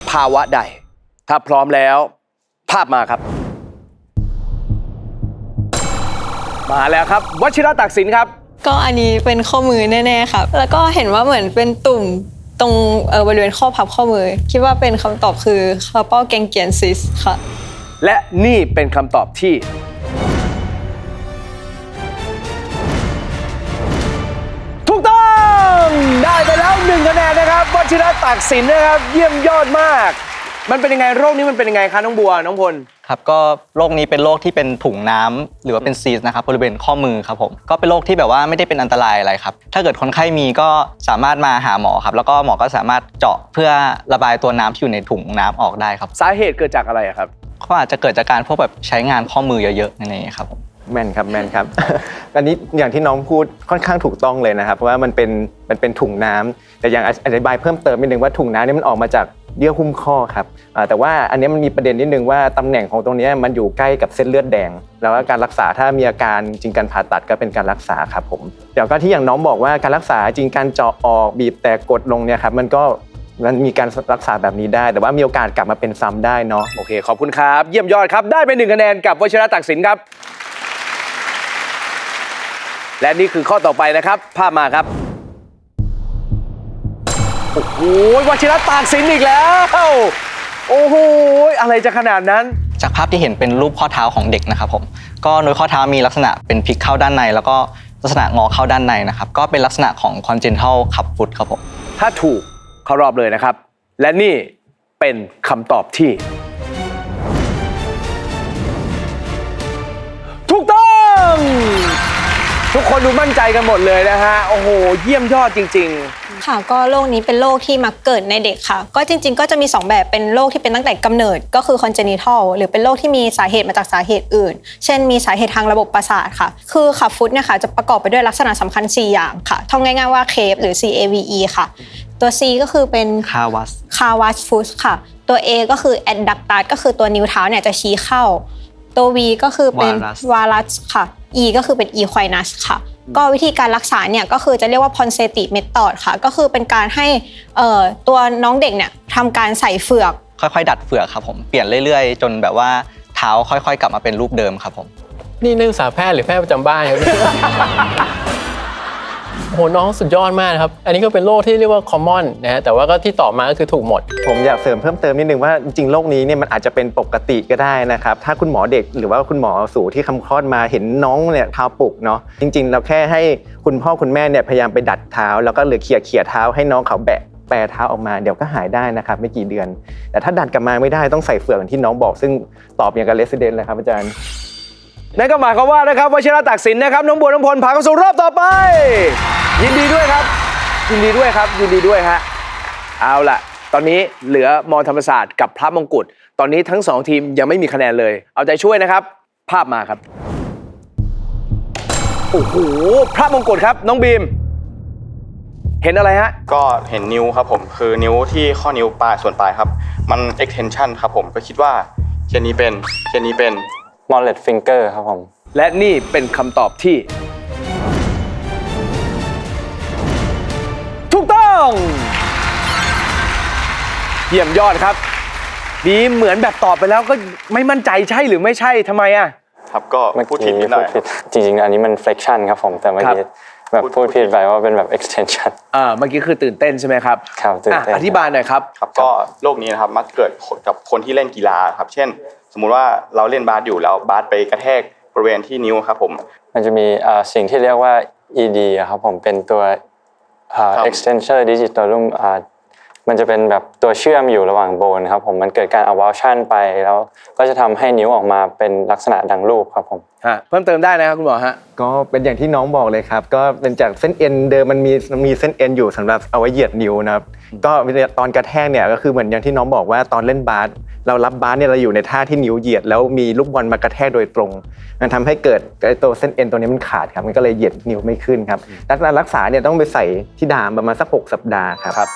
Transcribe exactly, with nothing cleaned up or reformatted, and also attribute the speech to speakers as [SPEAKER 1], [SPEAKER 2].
[SPEAKER 1] ภาวะใดถ้าพร้อมแล้วภาพมาครับมาแล้วครับวชิระตักสินครับ
[SPEAKER 2] ก็อันนี้เป็นข้อมือแน่ๆครับแล้วก็เห็นว่าเหมือนเป็นตุ่มตรงเออบริเวณข้อพับข้อมือคิดว่าเป็นคำตอบคือคาร์ปอลแกงเกียนซิสค่ะ
[SPEAKER 1] และนี่เป็นคำตอบที่ถูกต้องได้ไปแล้วหนึ่งคะแนนนะครับวชิระตักสินนะครับเยี่ยมยอดมากมันเป็นยังไงโรคนี้มันเป็นยังไงคะน้องบัวน้องพล
[SPEAKER 3] ครับก็โรคนี้เป็นโรคที่เป็นถุงน้ำหรือว่าเป็นซีสนะครับบริเวณข้อมือครับผมก็เป็นโรคที่แบบว่าไม่ได้เป็นอันตรายอะไรครับถ้าเกิดคนไข้มีก็สามารถมาหาหมอครับแล้วก็หมอก็สามารถเจาะเพื่อระบายตัวน้ำที่อยู่ในถุงน้ำออกได้ครับ
[SPEAKER 1] สาเหตุเกิดจากอะไรครับ
[SPEAKER 3] ก็อาจจะเกิดจากการพวกแบบใช้งานข้อมือเยอะๆนั่นเองครับผม
[SPEAKER 4] แม่นครับแม่นครับ อันนี้อย่างที่น้องพูดค่อนข้างถูกต้องเลยนะครับเพราะว่ามันเป็นมันเป็นถุงน้ำแต่อย่างอธิบายเพิ่มเติมนิดนึงว่าถุงน้ำนี่มันออกมาจากเยื่อหุ้มข้อครับแต่ว่าอันนี้มันมีประเด็นนิดนึงว่าตำแหน่งของตรงนี้มันอยู่ใกล้กับเส้นเลือดแดงแล้วการรักษาถ้ามีอาการจริงการผ่าตัดก็เป็นการรักษาครับผมเดี๋ยวก็ที่อย่างน้องบอกว่าการรักษาจริงการเจาะออกบีบแต่กดลงเนี่ยครับมันก็มันมีการรักษาแบบนี้ได้แต่ว่ามีโอกาสกลับมาเป็นซ้ำได้เนาะ
[SPEAKER 1] โอเคขอบคุณครับเยี่ยมยอดครับได้ไปหนึ่งคะแนนกับวชิระตักสินครับและนี่คือข้อต่อไปนะครับภาพมาครับโอ้โหวชิระตักสินอีกแล้วโอ้โหอะไรจะขนาดนั้น
[SPEAKER 3] จากภาพที่เห็นเป็นรูปข้อเท้าของเด็กนะครับผมก็โดยข้อเท้ามีลักษณะเป็นพลิกเข้าด้านในแล้วก็ลักษณะงอเข้าด้านในนะครับก็เป็นลักษณะของ congenital club foot ครับผม
[SPEAKER 1] ถ้าถูกเข้ารอบเลยนะครับและนี่เป็นคำตอบที่ถูกต้องทุกคนดูมั่นใจกันหมดเลยนะฮะโอ้โหเยี่ยมยอดจริงๆ
[SPEAKER 2] ค่ะก็โรคนี้เป็นโรคที่มักเกิดในเด็กค่ะก็จริงๆก็จะมีสองแบบเป็นโรคที่เป็นตั้งแต่กำเนิดก็คือ congenital หรือเป็นโรคที่มีสาเหตุมาจากสาเหตุอื่นเช่นมีสาเหตุทางระบบประสาทค่ะคือขับฟุตเนี่ยค่ะจะประกอบไปด้วยลักษณะสำคัญสี่อย่างค่ะท่องง่ายๆว่า เคฟ หรือ ซี เอ วี อี ค่ะตัว C ก็คือเป็น
[SPEAKER 3] Kawas
[SPEAKER 2] Kawas foot ค่ะตัว A ก็คือ adductus ก็คือตัวนิ้วเท้าเนี่ยจะชี้เข้าตัว V ก็คือเป็น Varus ค่ะ E ก็คือเป็น Equinus ค่ะก็วิธีการรักษาเนี่ยก็คือจะเรียกว่า Ponseti Method ค่ะก็คือเป็นการให้เอ่อตัวน้องเด็กเนี่ยทำการใส่เฟือก
[SPEAKER 3] ค่อยๆดัดเฟือกครับผมเปลี่ยนเรื่อยๆจนแบบว่าเท้าค่อยๆกลับมาเป็นรูปเดิมครับผม
[SPEAKER 5] นี่นักศึกษาแพทย์หรือแพทย์ประจำบ้านครับ โหน้องสุดยอดมากครับอันนี้ก็เป็นโรคที่เรียกว่า common นะฮะแต่ว่าก็ที่ตอบมาก็คือถูกหมด
[SPEAKER 4] ผมอยากเสริมเพิ่มเติมนิดนึงว่าจริงๆโรคนี้เนี่ยมันอาจจะเป็นปกติก็ได้นะครับถ้าคุณหมอเด็กหรือว่าคุณหมอสูที่คำคลอดมาเห็นน้องเนี่ยเท้าปุกเนาะจริงๆเราแค่ให้คุณพ่อคุณแม่เนี่ยพยายามไปดัดเท้าแล้วก็หรือเขี่ยเขี่ยเท้าให้น้องเขาแบะแปรเท้าออกมาเดี๋ยวก็หายได้นะครับไม่กี่เดือนแต่ถ้าดัดกลับมาไม่ได้ต้องใส่เฟือกอย่างที่น้องบอกซึ่งตอบอย่างกับ resident เลยครับอาจารย์
[SPEAKER 1] นั่นก็หมายความว่านะครับวชิระตักสินนะครับน้องบัวน้องพลผ่านเข้าสู่รอบต่อไปยินดีด้วยครับยินดีด้วยครับยินดีด้วยฮะเอาล่ะตอนนี้เหลือมอธรรมศาสตร์กับพระมงกุฎตอนนี้ทั้งสองทีมยังไม่มีคะแนนเลยเอาใจช่วยนะครับภาพมาครับโอ้โหพระมงกุฎครับน้องบีมเห็นอะไรฮะ
[SPEAKER 6] ก็เห็นนิ้วครับผมคือนิ้วที่ข้อนิ้วปลายส่วนปลายครับมัน extension ครับผมก็คิดว่าเช่นนี้เป็นเช่นนี้เป็น
[SPEAKER 3] Mallet finger ครับผม
[SPEAKER 1] และนี่เป็นคำตอบที่ถูกต้องเยี่ยมยอดครับดีเหมือนแบบตอบไปแล้วก็ไม่มั่นใจใช่หรือไม่ใช่ทำไมอ่ะ
[SPEAKER 6] ครับก็พูดผิดนิดหน่อย
[SPEAKER 3] จริงๆอันนี้มัน flexion ครับผมแต่เมื่อกี้แบบพูดผิดไปว่าเป็นแบบ extension
[SPEAKER 1] อ่าเมื่อกี้คือตื่นเต้นใช่ไหมครับ
[SPEAKER 3] ครับตื่นเต้น
[SPEAKER 1] อธิบายหน่อยครับ
[SPEAKER 6] ครับก็โรคนี้นะครับมักเกิดกับคนที่เล่นกีฬาครับเช่นสมมุติว่าเราเล่นบาสอยู่แล้วบาสไปกระแทกบริเวณที่นิ้วครับผม
[SPEAKER 3] มันจะมีสิ่งที่เรียกว่า อี ดี ครับผมเป็นตัว extensor digitorum มันจะเป็นแบบตัวเชื่อมอยู่ระหว่างโบนครับผมมันเกิดการ avulsion ไปแล้วก็จะทำให้นิ้วออกมาเป็นลักษณะดังรูปครับผม
[SPEAKER 1] ฮะเพิ่มเติมได้นะครับคุณหมอฮะ
[SPEAKER 4] ก็เป็นอย่างที่น้องบอกเลยครับก็เป็นจากเส้นเอ็นเดิมมันมีมีเส้นเอ็นอยู่สำหรับเอาไว้เหยียดนิ้วนะครับก็ตอนกระแทกเนี่ยก็คือเหมือนอย่างที่น้องบอกว่าตอนเล่นบาสเรารับบาสเนี่ยเราอยู่ในท่าที่นิ้วเหยียดแล้วมีลูกบอลมากระแทกโดยตรงมันทำให้เกิดไอ้ตัวเส้นเอ็นตัวนี้มันขาดครับมันก็เลยเหยียดนิ้วไม่ขึ้นครับการรักษาเนี่ยต้องไปใส่ที่ดามประมาณสักหกสัปดาห์ครับ